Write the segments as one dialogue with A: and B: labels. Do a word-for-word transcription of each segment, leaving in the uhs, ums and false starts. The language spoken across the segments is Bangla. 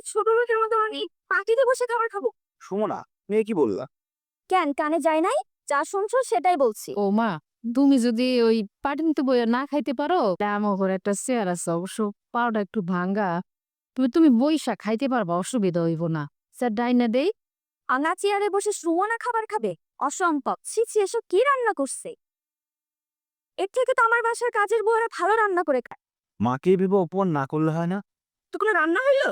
A: ছোট লোকের মতো আমি পার্টিতে বসে খাবার খাবো?
B: সুমনা, মেয়ে কি বললা?
A: কেন কানে যায় নাই? যা শুনছো সেটাই বলছি।
C: ও মা, তুমি যদি ওই পাটিনিতে বইয়া না খাইতে পারো, তা আমার ঘরে একটা চেয়ার আছে, অবশ্য পাওটা একটু ভাঙ্গা। তুমি তুমি বইসা খাইতে পারবা, অসুবিধা হইব না। স্যার ডাইনা দেই।
A: আঙা চেয়ারে বসে সুমনা খাবার খাবে? অসম্ভব। ছি ছি, এসব কি রান্না করছে? এর থেকে তো আমার বাসার কাজের বউরা ভালো রান্না করে খায়।
B: মাকে ভেবে অপমান না করলে হয় না?
A: তো কোনো রান্না হইলো?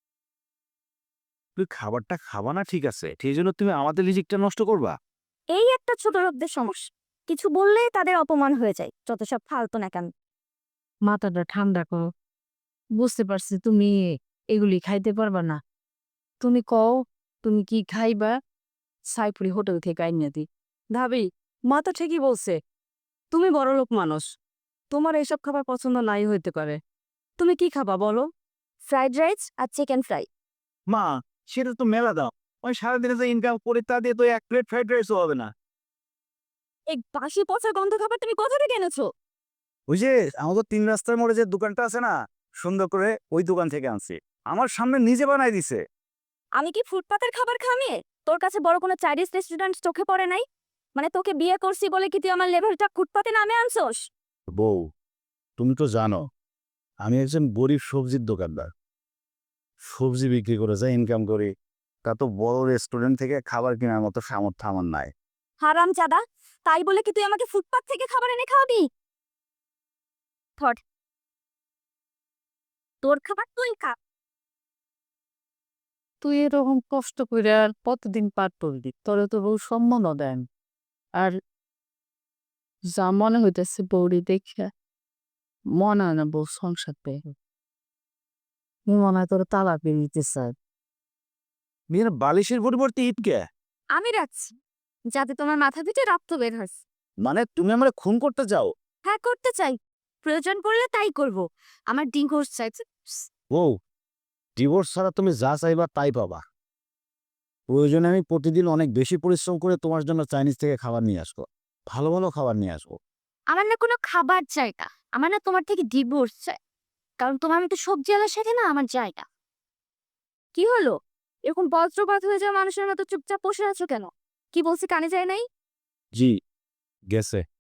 B: তুই খাবারটা খাবা না ঠিক আছে, সেই জন্য তুমি আমাদের রিজিকটা নষ্ট করবা?
A: এই একটা ছোট লোকদের সমস্যা, কিছু বললেই তাদের অপমান হয়ে যায়। যত সব ফালতু না কেন।
C: মাথাটা ঠান্ডা করো। বুঝতে পারছি তুমি এগুলি খাইতে পারবা না। তুমি কও তুমি কি খাইবা, সাইপুরি হোটেল থেকে আইনা দি।
D: ভাবি, মা তো ঠিকই বলছে। তুমি বড়লোক মানুষ, তোমার এইসব খাবার পছন্দ নাই হইতে পারে। তুমি কি খাবা বলো?
A: ফ্রাইড রাইস আর চিকেন ফ্রাই।
B: মা, সেটা তো মেলা দাও। ওই সারাদিনে যে ইনকাম করে তা দিয়ে তো এক প্লেট ফ্রাইড রাইসও হবে না।
A: এই বাসি পচা গন্ধ খাবার তুমি কোথা থেকে এনেছো?
B: ওই যে আমাদের তিন রাস্তার মোড়ে যে দোকানটা আছে না, সুন্দর করে ওই দোকান থেকে আনছি। আমার সামনে নিজে বানাই দিছে।
A: আমি কি ফুটপাতের খাবার খামিয়ে? তোর কাছে বড় কোনো চাইনিজ রেস্টুরেন্ট চোখে পড়ে নাই? মানে তোকে বিয়ে করছি বলে কি তুই আমার লেভেলটা ফুটপাতে নামে আনছোস?
B: বউ, তুমি তো জানো আমি একজন গরিব সবজির দোকানদার। সবজি বিক্রি করে যা ইনকাম করি, তা তো বড় রেস্টুরেন্ট থেকে খাবার কেনার মতো সামর্থ্য আমার নাই।
A: হারাম চাদা, তাই বলে কি তুই আমাকে ফুটপাত থেকে খাবার এনে খাওয়াবি? থট, তোর খাবার তুই খা।
C: তুই এরকম কষ্ট করে আর কতদিন পার করবি? তোরে তো বউ সম্মানও দেন। আর যা মনে হইতেছে বউরি দেখে মনে হয় না বউ সংসার পেয়ে। মনে হয় তোর তালাক দিয়ে দিতে চায়।
B: মেয়ের বালিশের পরিবর্তে ইটকে?
A: আমি রাখছি, যাতে তোমার মাথা পিঠে রক্ত বের হয়।
B: মানে তুমি আমার খুন করতে চাও?
A: হ্যাঁ, করতে চাই। প্রয়োজন পড়লে তাই করব। আমার ডিভোর্স চাই।
B: বউ, ডিভোর্স ছাড়া তুমি যা চাইবা তাই পাবা। প্রয়োজনে আমি প্রতিদিন অনেক বেশি পরিশ্রম করে তোমার জন্য চাইনিজ থেকে খাবার নিয়ে আসবো, ভালো ভালো খাবার নিয়ে আসবো।
A: আমার না কোনো খাবার চাই না, আমার না তোমার থেকে ডিভোর্স চাই। কারণ তোমার মতো সবজি আলার সাথে না আমার জায়গা। কি হলো? এরকম বজ্রপাত হয়ে যাওয়া মানুষের মতো চুপচাপ বসে আছো কেন? কি বলছি কানে যায় নাই?
B: জি, গেছে।